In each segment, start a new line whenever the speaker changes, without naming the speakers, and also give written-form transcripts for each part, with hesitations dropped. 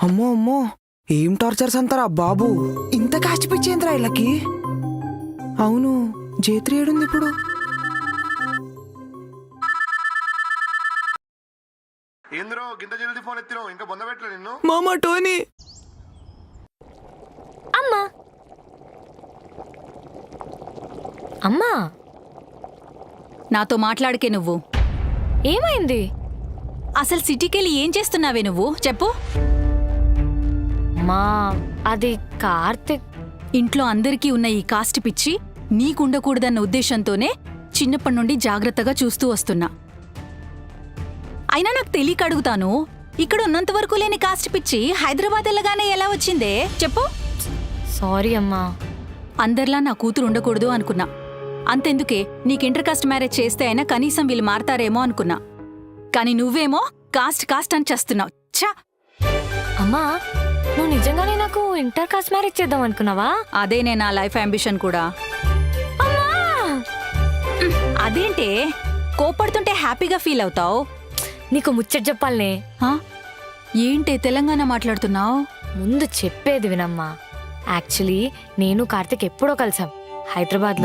అమ్మో అమ్మో, ఏం టార్చర్స్ అంటారా బాబు. ఇంత కాస్ట్ పిచ్చేంద్రా వీళ్ళకి. అవును, జేత్రి ఏడుంది ఇప్పుడు?
ఏంద్రో గింత జల్దీ ఫోన్ ఎత్తినావు, ఇంకా బొంద పెట్టలే నిన్ను.
మామా టోనీ.
అమ్మా అమ్మా,
నాతో మాట్లాడకే నువ్వు.
ఏమైంది?
అసలు సిటీకెళ్ళి ఏం చేస్తున్నావే నువ్వు చెప్పు.
మా అది కార్తిక్.
ఇంట్లో అందరికీ ఉన్న ఈ కాస్ట్ పిచ్చి నీకుండకూడదన్న ఉద్దేశంతోనే చిన్నప్పటి నుండి జాగ్రత్తగా చూస్తూ వస్తున్నా. అయినా నాకు తెలియక అడుగుతాను, ఇక్కడ ఉన్నంత వరకు లేని కాస్ట్ పిచ్చి హైదరాబాద్ వెళ్ళగానే ఎలా వచ్చిందే చెప్పు.
సారీ అమ్మా.
అందరిలా నా కూతురు ఉండకూడదు అనుకున్నా. అంతెందుకే, నీకు ఇంటర్ కాస్ట్ మ్యారేజ్ చేస్తే అయినా కనీసం వీళ్ళు మారతారేమో అనుకున్నా. కానీ నువ్వేమో కాస్ట్ కాస్ట్ అని చేస్తున్నావు. ఛా!
అమ్మా, నువ్వు నిజంగానే నాకు ఇంటర్ కాస్ట్ మ్యారేజ్ చేద్దాం అనుకున్నావా?
అదేనే నా లైఫ్ అంబిషన్ కూడా.
అమ్మా,
అదేంటే కోపడుతుంటే హ్యాపీగా ఫీల్ అవుతావు?
నీకు ముచ్చట చెప్పాలనే.
ఏంటే తెలంగాణ మాట్లాడుతున్నావు?
ముందు చెప్పేది వినమ్మా. యాక్చువల్లీ నేను కార్తిక్ ఎప్పుడో కలిసాం హైదరాబాద్లో.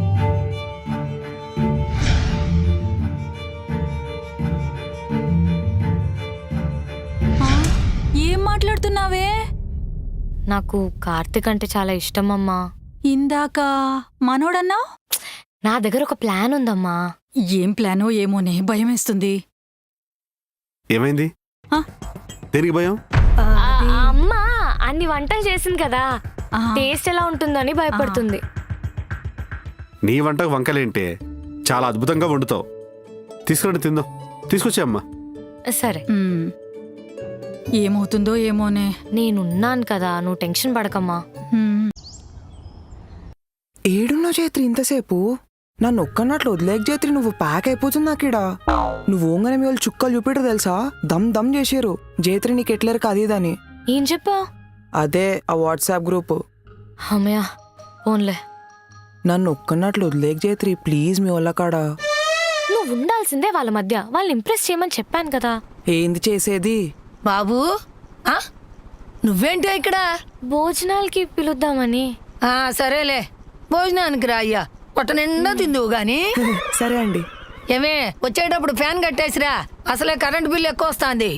ఏం మాట్లాడుతున్నావే?
నాకు కార్తిక్ అంటే చాలా ఇష్టం అమ్మా.
ఇందాక మనోడన్నావు.
నా దగ్గర ఒక ప్లాన్ ఉందమ్మా.
ఏం ప్లానో ఏమోనే, భయమేస్తుంది.
ఏమైంది? దేనికి భయం?
అమ్మా అన్ని వంటలు చేసింది కదా, టేస్ట్ ఎలా ఉంటుందని భయపడుతుంది.
నీ వంటకు వంకలేంటే చాలా అద్భుతంగా వండుతావు. తీసుకురండి తిందాం. తీసుకొచ్చే అమ్మా.
సరే,
ఏమవుతుందో ఏమోనే.
నేనున్నాను కదా, నువ్వు టెన్షన్ పడకమ్మా.
ఏడున్నావు జేత్రి ఇంతసేపు? నన్ను ఒక్కన్నట్లు వదిలేక జేత్రి, నువ్వు ప్యాక్ అయిపోతుంది నాకిడా. నువ్వు ఓంగనే మీ వాళ్ళు చుక్కలు చూపిటరు తెలుసా? దమ్ దమ్ చేసారు జేత్రి నీకు ఎట్లరు కదీదని.
ఏం చెప్పావు?
అదే ఆ వాట్సాప్ గ్రూప్.
అమ్మయ్యా ఓన్లే.
నన్ను ఒక్కన్నట్లు వదిలేక జేత్రి ప్లీజ్ మీ వాళ్ళ కాడా.
నువ్వు ఉండాల్సిందే వాళ్ళ మధ్య, వాళ్ళని ఇంప్రెస్ చేయమని చెప్పాను కదా.
ఏంది చేసేది?
బాబూ, నువ్వేంటి ఇక్కడ?
భోజనాలకి పిలుద్దామని.
సరేలే, భోజనానికి రా అయ్యా. పొట్ట నిండా తిందువు గాని.
సరే అండి.
ఏమే, వచ్చేటప్పుడు ఫ్యాన్ కట్టేసిరా, అసలే కరెంట్ బిల్ ఎక్కువ వస్తుంది.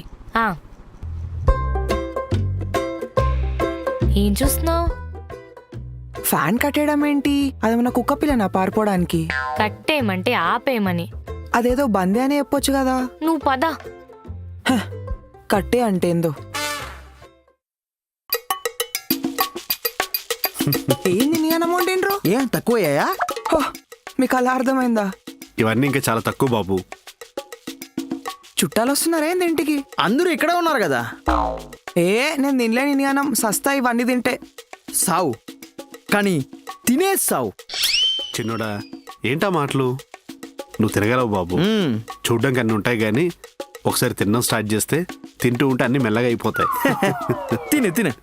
ఏం చూస్తున్నావు?
ఫ్యాన్ కట్టేయడం ఏంటి? అదేమన్నా కుక్క పిల్లనా పారిపోవడానికి?
కట్టేయమంటే ఆపేయమని.
అదేదో బందే అని చెప్పొచ్చు కదా.
నువ్వు పద.
కట్టే అంటే ఏందో. ఏంది నీ అమౌంట్ ఏంట్రో?
ఏం తక్కువయ్యాయా?
మీకు అలా అర్థమైందా?
ఇవన్నీ ఇంకా చాలా తక్కువ బాబు.
చుట్టాలు వస్తున్నారా ఏంది ఇంటికి?
అందరూ ఇక్కడే ఉన్నారు కదా.
నేను తినలేని నీ అన్నం, సస్తా ఇవన్నీ తింటే.
సావు కానీ తినే సావు.
చిన్నోడా, ఏంటా మాటలు? నువ్వు తినగలవు బాబు. చూడ్డానికి అన్నీ ఉంటాయి కానీ ఒకసారి తినడం స్టార్ట్ చేస్తే తింటూ ఉంటే అన్ని మెల్లగా అయిపోతాయి.
తినే తినే.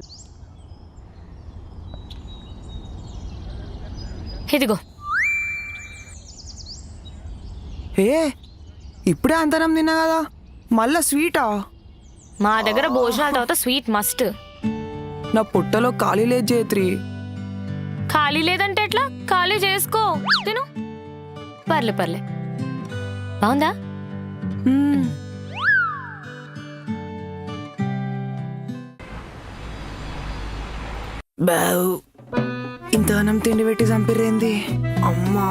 ఇదిగో.
ఇప్పుడే అంతనం తిన్నా కదా, మళ్ళా స్వీటా?
మా దగ్గర భోజనాల తర్వాత స్వీట్ మస్ట్.
నా పుట్టలో ఖాళీ లేదు జేత్రి.
ఖాళీ లేదంటే ఎట్లా? ఖాళీ చేసుకో, తిను. పర్లే పర్లే. బాగుందా?
బావు, ఇంత అన్నం తిండి పెట్టి చంపిరేంది అమ్మా.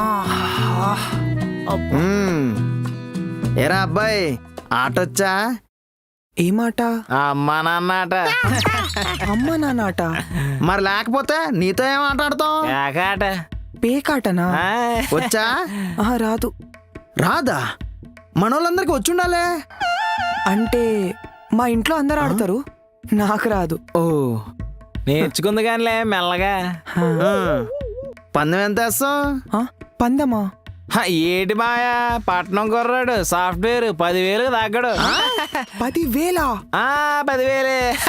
ఏరా అబ్బాయి, ఆటొచ్చా?
ఏ మాట?
అమ్మా నాన్న ఆట.
అమ్మ నాన్నట?
మరి లేకపోతే నీతో ఏం ఆట ఆడతాం?
పేకాటనా?
వచ్చా?
రాదు.
రాదా? మనోళ్ళందరికి వచ్చుండాలే.
అంటే మా ఇంట్లో అందరు ఆడతారు, నాకు రాదు.
ఓ, నేర్చుకుంది కానిలే మెల్లగా. పందెం ఎంత వేస్తాం?
పందమా?
ఏటి మాయా, పట్నం కుర్రాడు సాఫ్ట్వేర్ 10,000 తగ్గడు.
10,000?
10,000.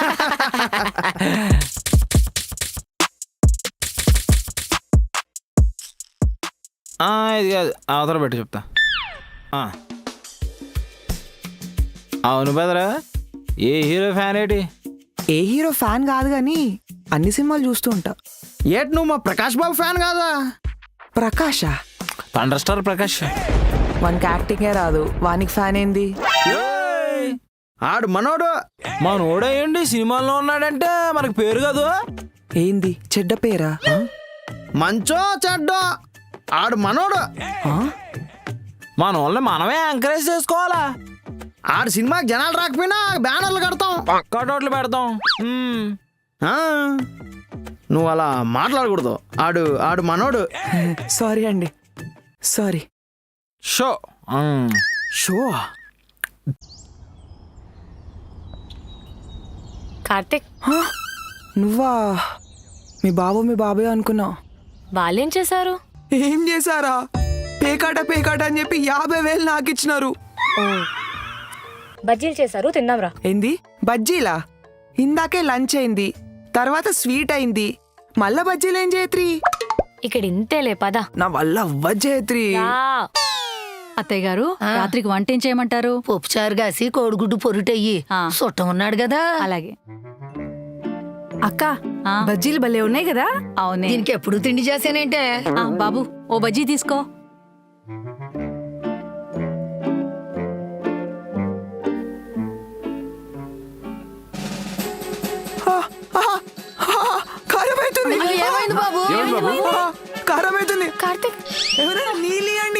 ఇది కాదు, అవతల పెట్టి చెప్తా. అవును బెదరా, ఏ హీరో ఫ్యాన్ ఏంటి?
ఏ హీరో ఫ్యాన్ కాదు కానీ అన్ని సినిమాలు చూస్తూ ఉంటా.
ఏటి నువ్వు మా ప్రకాష్ బాబు ఫ్యాన్ కాదా?
ప్రకాషా?
Thunder star Prakash.
వానికి యాక్టింగే రాదు, వానికి ఫ్యాన్ ఏంది?
ఏయ్! ఆడు మనోడు. మనోడేయండి సినిమాల్లో ఉన్నాడంటే మనకు పేరు కాదు.
ఏంది చెడ్డ పేరా?
మంచో చెడ్డో ఆడు మనోడు.
ఆ?
మన వాళ్ళని మనమే ఎంకరేజ్ చేసుకోవాలా? ఆడు సినిమాకి జనాలు రాకపోయినా బ్యానర్లు కడతాం, కటౌట్లు పెడతాం. ఆ, నువ్వు అలా మాట్లాడకూడదు. ఆడు ఆడు మనోడు.
సారీ అండి, సారీ.
Show
show?
కార్తిక్,
హా? నువ్వా? మీ బాబాయ్ అనుకున్నా.
వాళ్ళేం చేశారు?
ఏం చేశారా? పేకాట అని చెప్పి 50,000 నాకు ఇచ్చినారు.
బజ్జీలు చేశారు, తిందాంరా.
ఏంది బజ్జీలా? ఇందాకే లంచ్ అయింది, తర్వాత స్వీట్ అయింది, మళ్ళా బజ్జీలేం జయత్రి?
ఇక్కడ ఇంతేలే పద.
నా వల్ల అవ్వ జయత్రి.
రా.
అత్తయ్య గారు రాత్రికి వంట ఏం చేయమంటారు?
పప్పుచారు కాసి కోడిగుడ్డు పొరుటయ్యి
ఆ.
చుట్టం ఉన్నాడు కదా.
అలాగే.
అక్క
ఆ,
బజ్జీలు భలే ఉన్నాయి కదా.
అవునే.
దీనికి ఎప్పుడు తిండి చేసానంటే
ఆ, బాబు ఓ బజ్జీ తీసుకో.
కారం అవుతుంది.
ఏమైంది బాబు?
కారం అవుతుంది.
కార్తిక్,
ఎవరైనా నీళ్ళు ఇవ్వండి.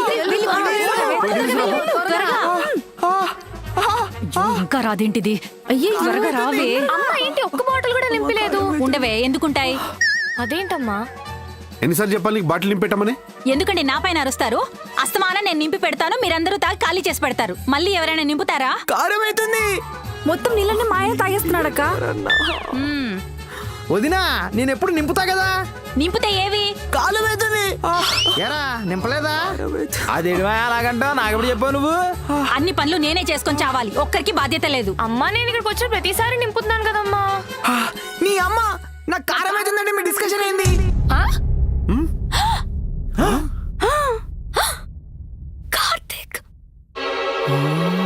ఇంకా రాదేంటిది? అయ్యే త్వరగా రావే.
అమ్మ ఏంటి ఒక్క బాటిల్ కూడా నింపలేదు?
ఉండవే, ఎందుకుంటాయి?
అదేంటమ్మా?
ఎన్నిసార్లు చెప్పాలి నీకు బాటిల్ నింపెట్టమని?
ఎందుకండి నా పైన అరుస్తారు? అస్తమానం నేను నింపి పెడతాను, మీరందరూ తాగి ఖాళీ చేసి పెడతారు. మళ్ళీ ఎవరైనా నింపుతారా?
కారం అవుతుంది.
మొత్తం నీళ్ళని మా ఆయన తాగేస్తున్నాడక్క.
మ్మ్.
వదినా నేను ఎప్పుడు నింపుతా కదా.
నింపితే ఏవి?
కారం అవుతుంది.
ఎరా నింపలేదా? అదేడు అలాగంటా నాకెప్పుడు చెప్పావు నువ్వు?
అన్ని పనులు నేనే చేసుకొని చావాలి, ఒక్కరికి బాధ్యత లేదు.
అమ్మా నేను ఇక్కడికి వచ్చిన ప్రతిసారి నింపుతున్నాను కదమ్మా.
నీ అమ్మ నాకు కారం అవుతుందంటే మీ డిస్కషన్ ఏంది?
ఆ? కార్తిక్,